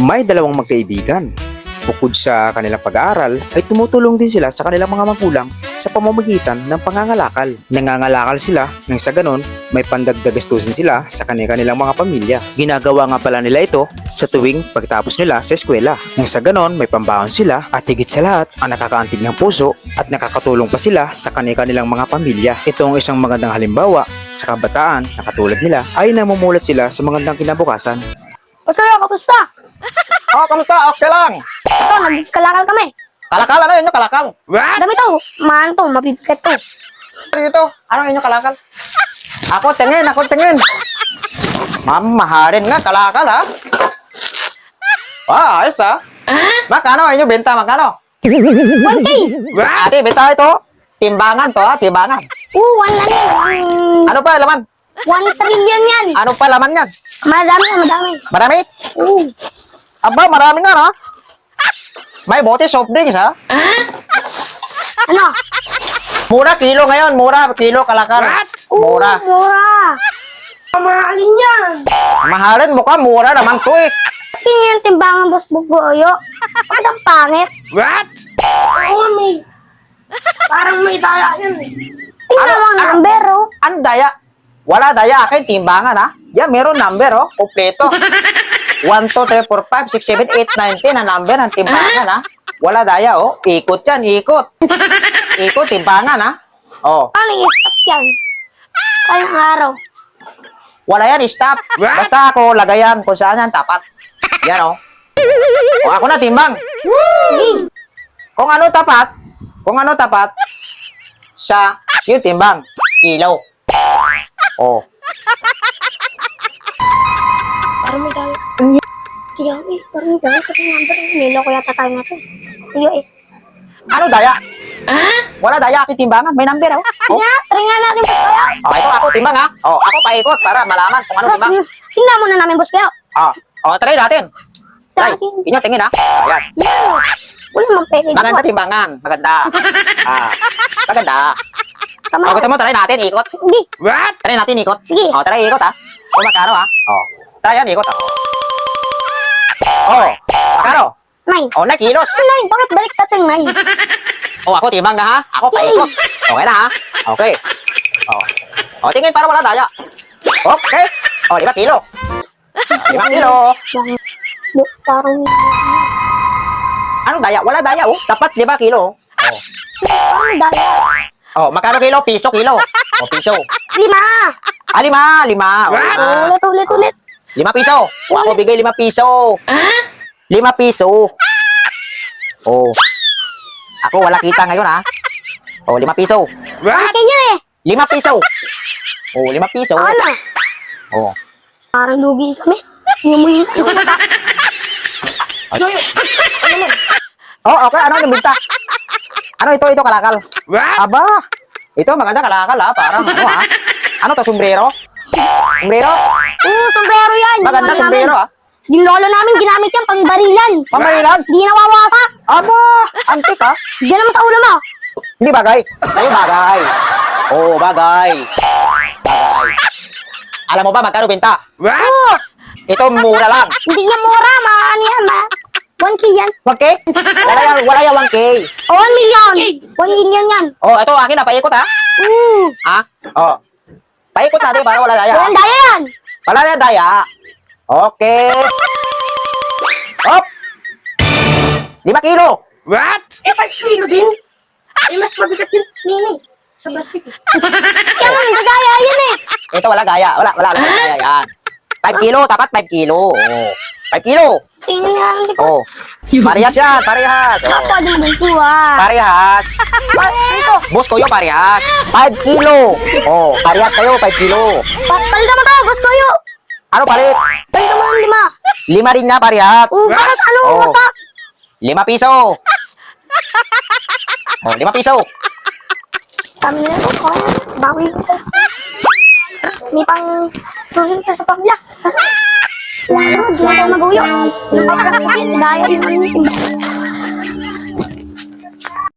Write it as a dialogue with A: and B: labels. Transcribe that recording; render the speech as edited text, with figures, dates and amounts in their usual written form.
A: May dalawang magkaibigan. Bukod sa kanilang pag-aaral, ay tumutulong din sila sa kanilang mga magulang sa pamamagitan ng pangangalakal. Nangangalakal sila nang sa ganon may pandagdag gastusin sila sa kanilang mga pamilya. Ginagawa nga pala nila ito sa tuwing pagtapos nila sa eskwela. Nang sa ganon may pambaon sila at higit sa lahat ang nakakaantig ng puso at nakakatulong pa sila sa kanilang mga pamilya. Ito ang isang magandang halimbawa sa kabataan na katulad nila ay namumulat sila sa magandang kinabukasan.
B: Boss kayo, kamusta?
C: Kamusta? Okay lang.
B: Ito, nagkalakal kami.
C: Kalakal, ano yun yung kalakal?
B: Dami to, maano to, mabibigat to.
C: Dito, ano yun yung kalakal? Ako tingin. Mamaharin nga, kalakal ha? Ayos ha? Magkano yun yung benta, magkano?
B: 1K!
C: Ate, benta ito. Timbangan to ha, timbangan.
B: One na yan.
C: Ano pa laman?
B: 1 trillion yan.
C: Ano pa laman yan?
B: Madami.
C: Marami? Aba, marami nga ha? May bote soft drinks ha?
B: Ano?
C: Mura kilo ngayon, mura kilo kalakal. Mura.
B: Mura. Mahalin yan.
C: Mahalin mo ka, mura naman to eh.
B: Tingin yung timbangan, boss Bugoyo. Bakit ang pangit? Oo, may. Parang may daya yan eh. Tingnan mo ang number, oh.
C: Ano daya? Wala daya, akin timbangan ha? Yan, meron number oh, kompleto. 1, 2, 3, 4, 5, 6, 7, 8, 9, 10 na number ng timbangan ha? Wala daya oh, ikot yan, ikot. Ikot, timbangan ha? Oh,
B: Paano i-stop yan? Kayang araw.
C: wala yan, stop. Basta ako, lagayan kung saan yan, tapat. Yan oh. O ako na, timbang.
B: Sige.
C: Kung ano tapat, siya, yung timbang, kilo. Oh.
B: Parang may daya. Kaya eh, parang may daya. Kasi number, niloko yata tayo natin. Kuya eh.
C: Ano daya? Wala daya, aking timbangan, may number oh.
B: Try nga natin, boss Kuya.
C: Oh, ito ako, timbang ha. Oh, ako paikot para malaman kung ano timbang.
B: Tingnan muna namin, boss Kuya.
C: Try natin. Try,
B: Natin.
C: inyo tingin ha. Ayan.
B: Yan. Wala mang peke.
C: Maganda timbangan, maganda. Maganda.
B: Tama.
C: Gusto mo, try natin, ikot.
B: Sige.
C: Try natin, ikot.
B: Sige.
C: Try ikot ha. Magkano ha. Try yan, ikot ha. Magkano?
B: 9.
C: 9 kilos.
B: 9. Bakit balik natin 9?
C: Ako, timbang na ha. Ako, paikot. Okay na ha. Okay. Tingin para wala daya. Okay. 5 kilo. 5 kilo.
B: Parang
C: Ano daya? Wala daya oh. Dapat 5 kilo.
B: parang daya.
C: Magkano kilo? Piso kilo. Piso.
B: 5.
C: 5. 5.
B: Ulit.
C: 5 piso. Ako bigay 5 piso. 5 piso. Ako wala kita ngayon ha. 5 piso.
B: Bakit yan eh?
C: 5 piso. 5 piso.
B: Ano? Parang lugi kami. Yung mata.
C: Okay. Ano yung binta? Ano ito kalakal? Aba. Ito maganda kalakal ha. Parang ano ha. Ano to, sombrero? Sombrero?
B: Sombrero yan.
C: Maganda sombrero ha.
B: Yung lolo namin ginamit yan pang barilan.
C: Pamarilan?
B: Hindi nawawasak.
C: Aba. Antik ha.
B: Diyan naman sa ulo mo.
C: Hindi bagay. Sa'yo bagay. Bagay. Alam mo ba magkano binta? Ito mura lang.
B: Hindi yan mura. Ano yan 1K yan.
C: 1K? Wala yan 1K.
B: 1 million. 1 million yan.
C: Ito akin na, paikot ha. Paikot natin para wala daya.
B: Walang daya yan.
C: Wala yan daya. Okay. 5 kilo.
B: 5 kilo din. Mas mabigat yun. Nini. Sa plastic eh. Kaya nga, nagagaya yan eh.
C: Ito wala gaya. Wala gaya yan. 5 kilo, tapat 5 kilo. 5 kilo.
B: Tingnan nga ang likod.
C: Parehas yan, parehas.
B: Ako, din dito ah.
C: Parehas.
B: Ito.
C: Boss ko yung parehas. 5 kilo. Parehas kayo, 5 kilo.
B: Palitan mo to, boss ko yun.
C: Ano palit?
B: Palitan mo ng 5.
C: 5 rin nga parehas.
B: Bakit anong wasak?
C: 5 piso. 5 piso.
B: Kami na ito. Bawi ito. May pang tuhin ka sa pamilya. Wala, di na tayo mag-uyo. Dahil naman yung timba.